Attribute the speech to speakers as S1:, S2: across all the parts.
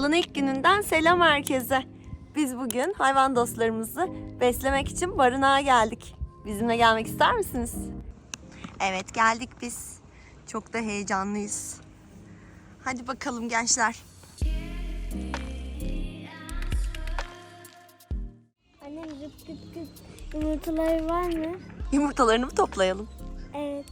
S1: Yılın ilk gününden selam herkese. Biz bugün hayvan dostlarımızı beslemek için barınağa geldik. Bizimle gelmek ister misiniz? Evet, geldik biz. Çok da heyecanlıyız. Hadi bakalım gençler.
S2: Annem zıp gıt gıt yumurtaları var mı?
S1: Yumurtalarını mı toplayalım?
S2: Evet.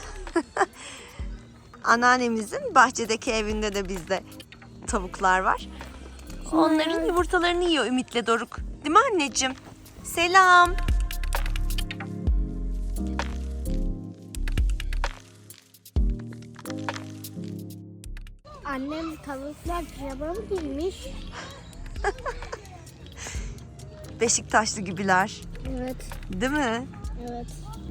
S1: Anneannemizin bahçedeki evinde de bizde tavuklar var. Onların yumurtalarını yiyor Ümit'le Doruk. Değil mi anneciğim? Selam.
S2: Annem tavuklar pijama mı giymiş?
S1: Beşiktaşlı gibiler.
S2: Evet.
S1: Değil mi?
S2: Evet.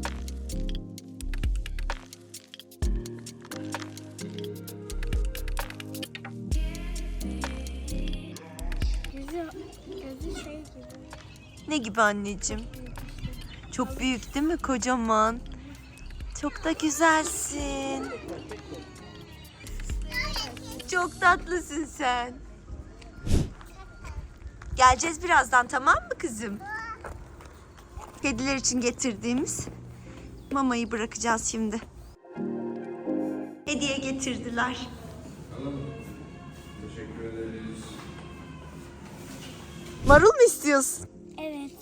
S2: Gözü şey gibi.
S1: Ne gibi anneciğim? Çok büyük değil mi? Kocaman. Çok da güzelsin. Çok tatlısın sen. Geleceğiz birazdan, tamam mı kızım? Kediler için getirdiğimiz mamayı bırakacağız şimdi. Hediye getirdiler.
S3: Teşekkür ederiz.
S1: Marul mu istiyorsun?
S2: Evet.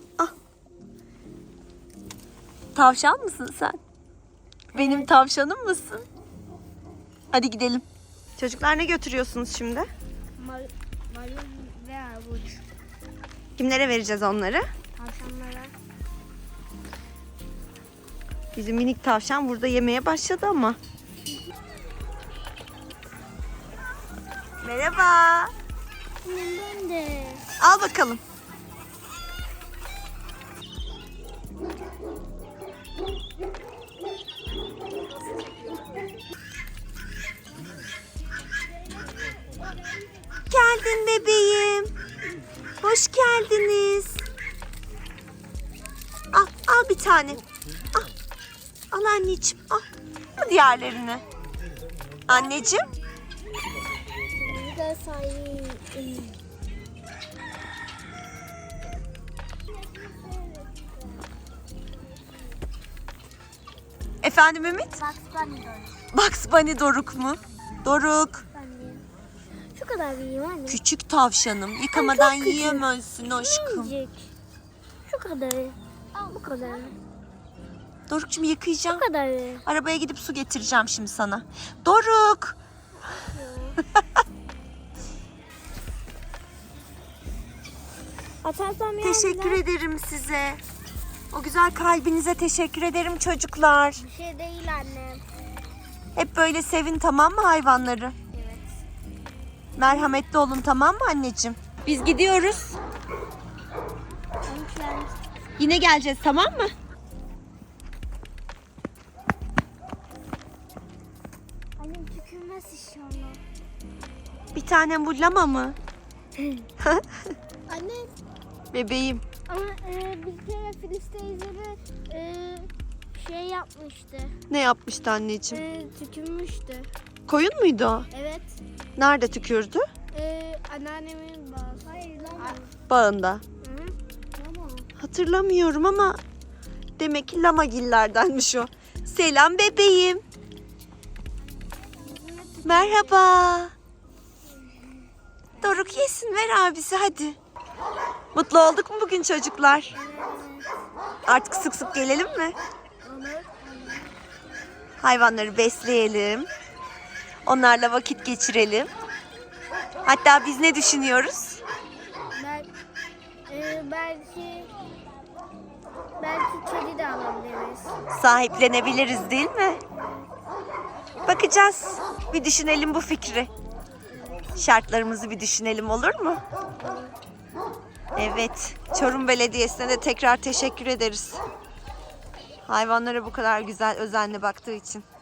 S1: Tavşan mısın sen? Benim tavşanım mısın? Hadi gidelim. Çocuklar, ne götürüyorsunuz şimdi?
S2: Marul ve armut.
S1: Kimlere vereceğiz onları?
S2: Tavşanlara.
S1: Bizim minik tavşan burada yemeye başladı ama. Merhaba.
S2: Ben de.
S1: Al bakalım. Geldin bebeğim. Hoş geldiniz. Al bir tane. Al. Al anneciğim. Al. Al diğerlerini. Anneciğim.
S2: Bir de sayayım.
S1: Efendim Ümit?
S2: Bak ben de.
S1: Bugs Bunny Doruk mu? Doruk.
S2: Şu kadar büyüğüm anne.
S1: Küçük tavşanım. Yıkamadan
S2: Çok küçük.
S1: yiyemezsin aşkım.
S2: Minicik. Şu kadarı. Bu kadar.
S1: Doruk'cum yıkayacağım.
S2: Bu kadarı.
S1: Arabaya gidip su getireceğim şimdi sana. Doruk.
S2: Atarsam ya.
S1: Teşekkür ederim size. O güzel kalbinize teşekkür ederim çocuklar.
S2: Bir şey değil anne.
S1: Hep böyle sevin, tamam mı hayvanları?
S2: Evet.
S1: Merhametli olun, tamam mı anneciğim? Biz gidiyoruz. Yine geleceğiz, tamam mı?
S2: Annem tükürmez inşallah.
S1: Bir tane bu lama mı?
S2: Anne
S1: Bebeğim.
S2: ama bir kere Filiz teyzeme şey yapmıştı.
S1: Ne yapmıştı anneciğim?
S2: Tükürmüştü.
S1: Koyun muydu o?
S2: Evet.
S1: Nerede tükürdü?
S2: Anneannemin bazı. Hayır lan.
S1: Bağında.
S2: Hı? Tamam.
S1: Hatırlamıyorum ama demek ki lamagillerdenmiş o. Selam bebeğim. Merhaba. Doruk yesin, ver abisi hadi. Mutlu olduk mu bugün çocuklar? Artık sık sık gelelim mi?
S2: Olur.
S1: Hayvanları besleyelim. Onlarla vakit geçirelim. Hatta biz ne düşünüyoruz?
S2: Belki kedi de alabiliriz.
S1: Sahiplenebiliriz değil mi? Bakacağız. Bir düşünelim bu fikri. Şartlarımızı bir düşünelim, olur mu? Evet. Çorum Belediyesi'ne de tekrar teşekkür ederiz. Hayvanlara bu kadar güzel, özenle baktığı için.